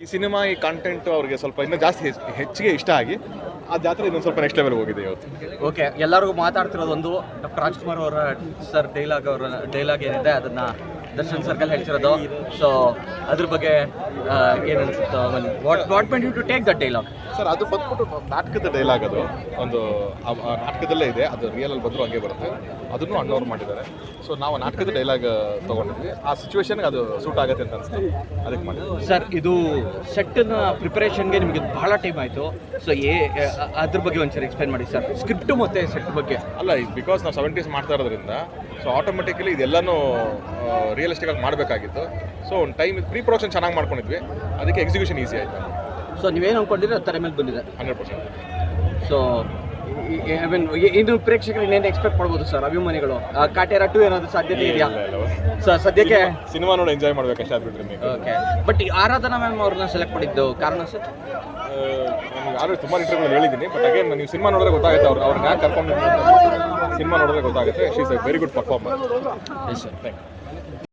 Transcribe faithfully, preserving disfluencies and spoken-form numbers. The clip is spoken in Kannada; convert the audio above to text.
ಈ ಸಿನಿಮಾ ಈ ಕಂಟೆಂಟ್ ಅವ್ರಿಗೆ ಸ್ವಲ್ಪ ಇನ್ನೂ ಜಾಸ್ತಿ ಹೆಚ್- ಹೆಚ್ಚಿಗೆ ಇಷ್ಟ ಆಗಿ ಆ ಜಾತ್ರೆ ಇನ್ನೊಂದು ಸ್ವಲ್ಪ ನೆಕ್ಸ್ಟ್ ಲೆವೆಲ್ ಹೋಗಿದೆ ಇವತ್ತು. ಓಕೆ, ಎಲ್ಲರಿಗೂ ಮಾತಾಡ್ತಿರೋದು ಒಂದು ಡಾಕ್ಟರ್ ರಾಜ್ಕುಮಾರ್ ಅವರ ಸರ್ ಡೈಲಾಗ್ ಅವರ ಡೈಲಾಗ್ ಏನಿದೆ ಅದನ್ನು ದರ್ಶನ್ ಸರ್ಕಲ್ ಹೇಳ್ತಿರೋದು. ಸೊ ಅದ್ರ ಬಗ್ಗೆ ಏನು ಅನ್ಸುತ್ತೋ what what meant you to take that dialogue? Sir ಅದು ಬಂದ್ಬಿಟ್ಟು ನಾಟಕದ ಡೈಲಾಗ್, ಅದು ಒಂದು ಆ ಆ ನಾಟಕದಲ್ಲೇ ಇದೆ, ಅದು ರಿಯಲಲ್ಲಿ ಬಂದರೂ ಹಂಗೆ ಬರುತ್ತೆ. ಅದನ್ನು ಅಣ್ಣವ್ರು ಮಾಡಿದ್ದಾರೆ. ಸೊ ನಾವು ನಾಟಕದ ಡೈಲಾಗ್ ತೊಗೊಂಡಿದ್ವಿ, ಆ ಸಿಚುವೇಶನ್ಗೆ ಅದು ಸೂಟ್ ಆಗುತ್ತೆ ಅಂತ ಅನಿಸ್ತು, ಅದಕ್ಕೆ ಮಾಡಿದ್ವಿ. ಸರ್, ಇದು ಸೆಟ್ಟಿನ ಪ್ರಿಪರೇಷನ್ಗೆ ನಿಮಗೆ ಬಹಳ ಟೈಮ್ ಆಯಿತು. ಸೊ ಏ ಅ- ಅದ್ರ ಬಗ್ಗೆ ಒಂದ್ಸರಿ ಎಕ್ಸ್ಪ್ಲೈನ್ ಮಾಡಿ ಸರ್, ಸ್ಕ್ರಿಪ್ಟ್ ಮತ್ತು ಸೆಟ್ ಬಗ್ಗೆ. ಅಲ್ಲ, ಈಗ ಬಿಕಾಸ್ ನಾವು ಸೆವೆಂಟೀಸ್ ಮಾಡ್ತಾ ಇರೋದ್ರಿಂದ ಸೊ ಆಟೋಮೆಟಿಕಲಿ ಇದೆಲ್ಲನೂ ರಿಯಲಿಸ್ಟಿಕ್ ಆಗಿ ಮಾಡಬೇಕಾಗಿತ್ತು. ಸೊ ಒಂದು ಟೈಮ್ ಪ್ರೀ ಪ್ರೊಡಕ್ಷನ್ ಚೆನ್ನಾಗಿ ಮಾಡ್ಕೊಂಡಿದ್ವಿ, ಅದಕ್ಕೆ ಎಕ್ಸಿಕ್ಯೂಷನ್ ಈಸಿ ಆಯಿತು. ಸೊ ನೀವೇನು ಅಂದ್ಕೊಂಡಿದ್ರೆ ಅದು ತರ ಮೇಲೆ ಬಂದಿದೆ. Hundred percent. So I mean ಇನ್ನು ಪ್ರೇಕ್ಷಕರು ಇನ್ನೇನು ಎಕ್ಸ್ಪೆಕ್ಟ್ ಮಾಡ್ಬೋದು ಸರ್, ಅಭಿಮಾನಿಗಳು? ಆ, ಕಾಟೇರ ಟು ಏನಾದರೂ ಸಾಧ್ಯತೆ ಇದೆಯಾ ಸರ್ ಸದ್ಯಕ್ಕೆ? ಸಿನಿಮಾ ನೋಡಿ ಎಂಜಾಯ್ ಮಾಡ್ಬೇಕಷ್ಟೇ, ಅದು ಬಿಟ್ಟರೆ ನೀವು ಓಕೆ, ಬಟ್ ಈ ಆರಾಧನಾ ಮ್ಯಾಮ್ ಅವ್ರನ್ನ ಸೆಲೆಕ್ಟ್ ಮಾಡಿದ್ದು ಕಾರಣ ಸರ್? ನನಗೆ ಆಲ್ರೆಡಿ ತುಂಬ ಇಂಟರ್ವ್ಯೂಗಳು ಹೇಳಿದ್ದೀನಿ, ಬಟ್ ಅಗೇನ್ ನೀವು ಸಿನಿಮಾ ನೋಡಿದ್ರೆ ಗೊತ್ತಾಗುತ್ತೆ, ಅವ್ರು ಅವ್ರನ್ನ ಯಾಕೆ ಕರ್ಕೊಂಡು ಸಿನಿಮಾ ನೋಡಿದ್ರೆ ಗೊತ್ತಾಗುತ್ತೆ. She is a very good performer. Yes sir, thank you.